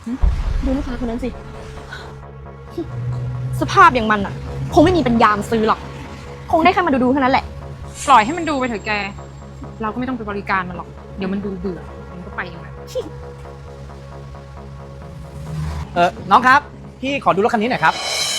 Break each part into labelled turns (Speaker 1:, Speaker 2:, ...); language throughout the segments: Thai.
Speaker 1: ดูลูกค้าคนนั้นสิ สภาพอย่างมันอ่ะ คงไม่มีปัญญามาซื้อหรอก คงได้แค่มาดูเท่านั้นแหละ
Speaker 2: ปล่อยให้มันดูไปเถอะแก เราก็ไม่ต้องไปบริการมันหรอก เดี๋ยวมันดูเบื่อมันก็ไปเองแหละ
Speaker 3: น้องครับ พี่ขอดูรถคันนี้หน่อยครับ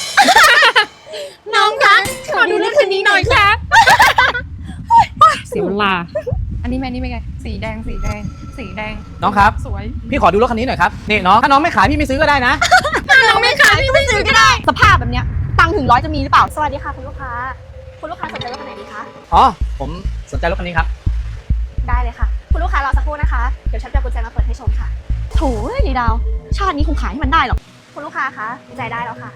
Speaker 1: น้องคะขอดูรถคันนี้หน่อยค่ะ
Speaker 2: เสียเวลา อันนี้แม่นี่เป็นไง สีแดง สีแดง สีแดง
Speaker 3: น้องครับ
Speaker 2: สวย
Speaker 3: พี่ขอดูรถคันนี้หน่อยครับ นี่น้อง ถ้าน้องไม่ขายพี่ไม่ซื้อก็ได้นะ
Speaker 1: น้องไม่ขายพี่ไม่ซื้อก็ได้ สภาพแบบเนี้ย ตังค์ถึง100จะมีหรือเปล่า สวัสดีค่ะคุณลูกค้า คุณลูกค้าสนใจรถคันไหนดีคะ
Speaker 3: อ๋อ ผมสนใจรถคันนี้ครับ
Speaker 1: ได้เลยค่ะ คุณลูกค้ารอสักครู่นะคะ เดี๋ยวฉันจะเอากุญแจมาเปิดให้ชมค่ะ โถ่ยายดาว ชาตินี้คงขายให้มันได้หรอก คุณลูกค้าคะกุญแจได้แล้วค่ะ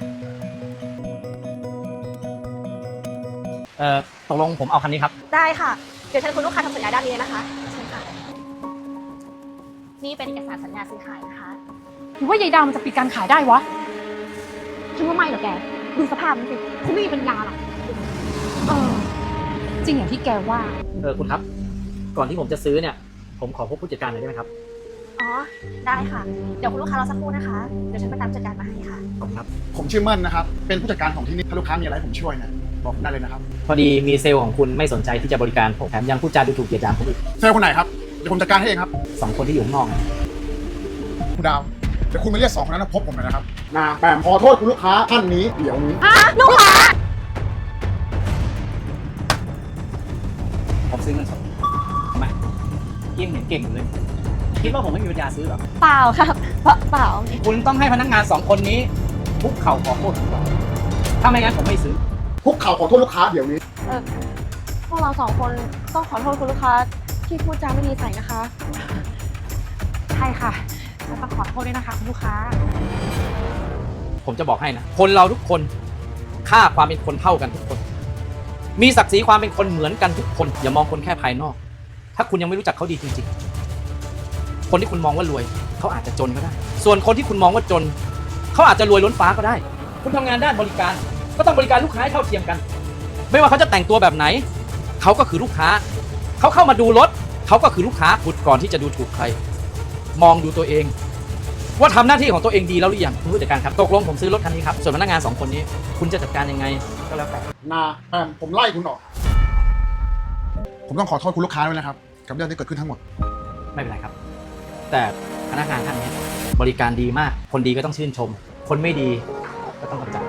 Speaker 3: ตกลงผมเอาคันนี้ครับ
Speaker 1: ได้ค่ะ เดี๋ยวเชิญคุณลูกค้าทำสัญญาด้านนี้เลยนะคะเชิญค่ะ นี่เป็นเอกสารสัญญาซื้อขายนะคะ
Speaker 2: หรือว่ายายดาวมันจะปิดการขายได้วะ
Speaker 1: ฉันว่าไม่หรอกแก ดูสภาพมันสิคงไม่มีปัญญาหรอก
Speaker 2: เออ จริงอย่างที่แกว่า
Speaker 3: คุณครับ ก่อนที่ผมจะซื้อเนี่ย ผมขอพบผู้จัดการหน่อยได้ไหมครับ
Speaker 1: อ๋อ ได้ค่ะ เดี๋ยวคุณลูกค้ารอสักครู่นะคะ เดี๋ยวฉันไปตามจัดการมาให้ค่ะ
Speaker 3: ขอบคุณครับ
Speaker 4: ผมชื่อเมิ่นนะครับ เป็นผู้จัดการของที่นี่ ถ้าลูกค้ามีอะไรให้ผมช่วยเนี่ยบอกผมได้เลยนะครับ
Speaker 3: พอดีมีเซลล์ของคุณไม่สนใจที่จะบริการผมแถมยังพูดจาดูถูกเหยียดหยามผมอีก
Speaker 4: เซลล์คนไหนครับ เดี๋ยวผมจัดการให้เองครับ
Speaker 3: 2 คนที่อยู่ข้างนอก
Speaker 4: คุณดาว เดี๋ยวคุณไปเรียก2 คนนั้นมาพบผมหน่อยนะครับนางแปมขอโทษคุณลูกค้าท่านนี้เดี๋ยวนี้
Speaker 1: ลูกค้า
Speaker 3: ผมซื้อเงินสดทำไมยิ่งเห็นเก่งอยู่เลย คิดว่าผมไม่มีปัญญาซื้อหรอ
Speaker 1: เปล่าค่ะเปล่า
Speaker 3: คุณต้องให้พนักงาน2 คนนี้คุกเข่าขอโทษผมก่อนถ้าไม่งั้นผมไม่ซื้อ
Speaker 4: คุกเข่าขอโทษลูกค้าเดี๋ยวนี้
Speaker 1: พวกเรา2 คนต้องขอโทษคุณลูกค้าที่พูดจาไม่ดีใส่นะคะ
Speaker 2: ใช่ค่ะแล้วต้องขอโทษด้วยนะคะคุณลูกค้า
Speaker 3: ผมจะบอกให้นะ คนเราทุกคนค่าความเป็นคนเท่ากันทุกคน มีศักดิ์ศรีความเป็นคนเหมือนกันทุกคน อย่ามองคนแค่ภายนอก ถ้าคุณยังไม่รู้จักเขาดีจริงๆ คนที่คุณมองว่ารวยเขาอาจจะจนก็ได้ ส่วนคนที่คุณมองว่าจนเขาอาจจะรวยล้นฟ้าก็ได้ คุณทำงานด้านบริการก็ต้องบริการลูกค้าให้เท่าเทียมกัน ไม่ว่าเขาจะแต่งตัวแบบไหนเขาก็คือลูกค้าเขาเข้ามาดูรถเขาก็คือลูกค้าคุณก่อนที่จะดูถูกใคร มองดูตัวเอง ว่าทำหน้าที่ของตัวเองดีแล้วหรือยังคุณผู้จัดการครับตกลงผมซื้อรถคันนี้ครับส่วนพนักงาน2 คนนี้ คุณจะจัดการยังไงก็แล้วแต่
Speaker 4: นาแปมผมไล่คุณออก ผมต้องขอโทษคุณลูกค้าด้วยนะครับ กับเรื่องที่เกิดขึ้นทั้งหมด
Speaker 3: ไม่เป็นไรครับ แต่พนักงานท่านนี้บริการดีมาก คนดีก็ต้องชื่นชม คนไม่ดีก็ต้องกำจัด